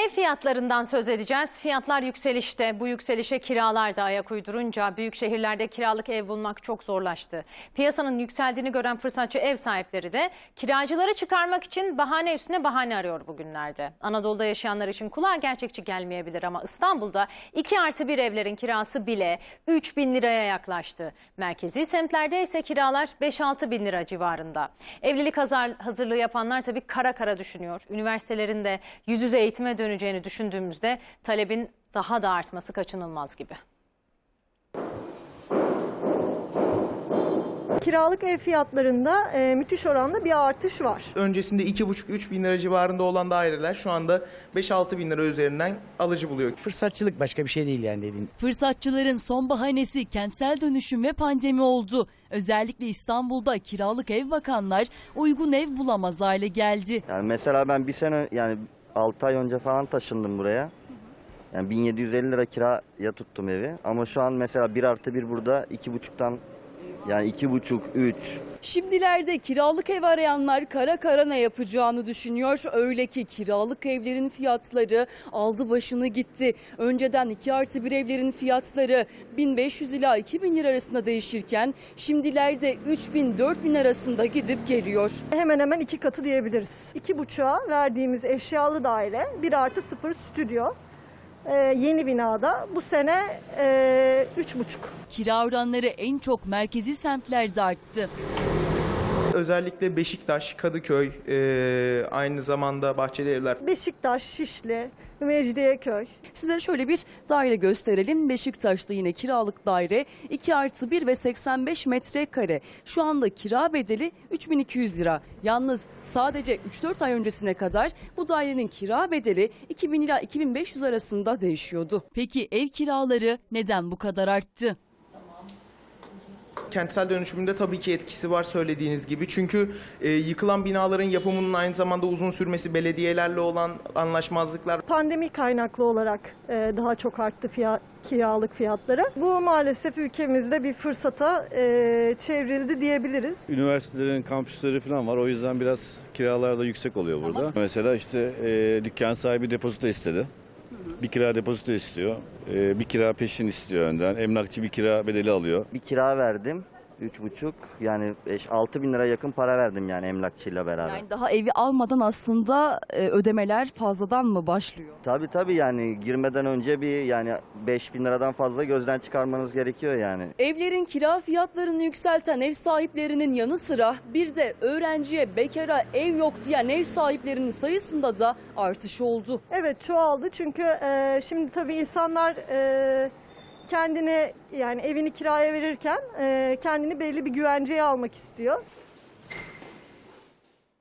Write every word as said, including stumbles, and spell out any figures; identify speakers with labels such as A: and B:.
A: Ev fiyatlarından söz edeceğiz. Fiyatlar yükselişte. Bu yükselişe kiralar da ayak uydurunca büyük şehirlerde kiralık ev bulmak çok zorlaştı. Piyasanın yükseldiğini gören fırsatçı ev sahipleri de kiracıları çıkarmak için bahane üstüne bahane arıyor bugünlerde. Anadolu'da yaşayanlar için kulağa gerçekçi gelmeyebilir ama İstanbul'da iki artı bir evlerin kirası bile üç bin liraya yaklaştı. Merkezi semtlerde ise kiralar beş altı bin lira civarında. Evlilik hazırlığı yapanlar tabii kara kara düşünüyor. Üniversitelerin de yüz yüze eğitime döneceğini düşündüğümüzde talebin daha da artması kaçınılmaz gibi.
B: Kiralık ev fiyatlarında e, müthiş oranda bir artış var.
C: Öncesinde iki buçuk üç bin lira civarında olan daireler şu anda beş altı bin lira üzerinden alıcı buluyor.
D: Fırsatçılık, başka bir şey değil yani dediğin.
E: Fırsatçıların son bahanesi kentsel dönüşüm ve pandemi oldu. Özellikle İstanbul'da kiralık ev bakanlar uygun ev bulamaz hale geldi.
F: Yani mesela ben bir sene yani altı ay önce falan taşındım buraya. Yani bin yedi yüz elli lira kiraya tuttum evi. Ama şu an mesela bir artı bir burada iki buçuktan yani iki buçuk, üç.
E: Şimdilerde kiralık ev arayanlar kara kara ne yapacağını düşünüyor. Öyle ki kiralık evlerin fiyatları aldı başını gitti. Önceden iki artı bir evlerin fiyatları bin beş yüz ila iki bin lira arasında değişirken şimdilerde üç bin dört bin arasında gidip geliyor.
B: Hemen hemen iki katı diyebiliriz. İki buçuğa verdiğimiz eşyalı daire bir artı sıfır stüdyo. Ee, yeni binada bu sene e, üç buçuk.
E: Kira oranları en çok merkezi semtlerde arttı.
C: Özellikle Beşiktaş, Kadıköy, e, aynı zamanda Bahçelievler.
B: Beşiktaş, Şişli, Mecidiyeköy.
E: Size şöyle bir daire gösterelim. Beşiktaş'ta yine kiralık daire iki artı bir ve seksen beş metrekare. Şu anda kira bedeli üç bin iki yüz lira. Yalnız sadece üç dört ay öncesine kadar bu dairenin kira bedeli iki bin ila iki bin beş yüz arasında değişiyordu. Peki ev kiraları neden bu kadar arttı?
C: Kentsel dönüşümünde tabii ki etkisi var söylediğiniz gibi. Çünkü e, yıkılan binaların yapımının aynı zamanda uzun sürmesi, belediyelerle olan anlaşmazlıklar.
B: Pandemi kaynaklı olarak e, daha çok arttı fiyat, kiralık fiyatları. Bu maalesef ülkemizde bir fırsata e, çevrildi diyebiliriz.
G: Üniversitelerin kampüsleri falan var. O yüzden biraz kiralar da yüksek oluyor burada. Tamam. Mesela işte e, dükkan sahibi depozito istedi. Bir kira depozito istiyor. Ee, bir kira peşin istiyor önden. Emlakçı bir kira bedeli alıyor.
F: Bir kira verdim. Üç buçuk yani beş altı bin lira yakın para verdim yani emlakçıyla beraber.
E: Yani daha evi almadan aslında e, ödemeler fazladan mı başlıyor?
F: Tabii tabii yani girmeden önce bir yani beş bin liradan fazla gözden çıkarmanız gerekiyor yani.
E: Evlerin kira fiyatlarını yükselten ev sahiplerinin yanı sıra bir de öğrenciye, bekara ev yok diyen ev sahiplerinin sayısında da artış oldu.
B: Evet, çoğaldı çünkü e, şimdi tabii insanlar e, kendine yani evini kiraya verirken e, kendini belli bir güvenceye almak istiyor.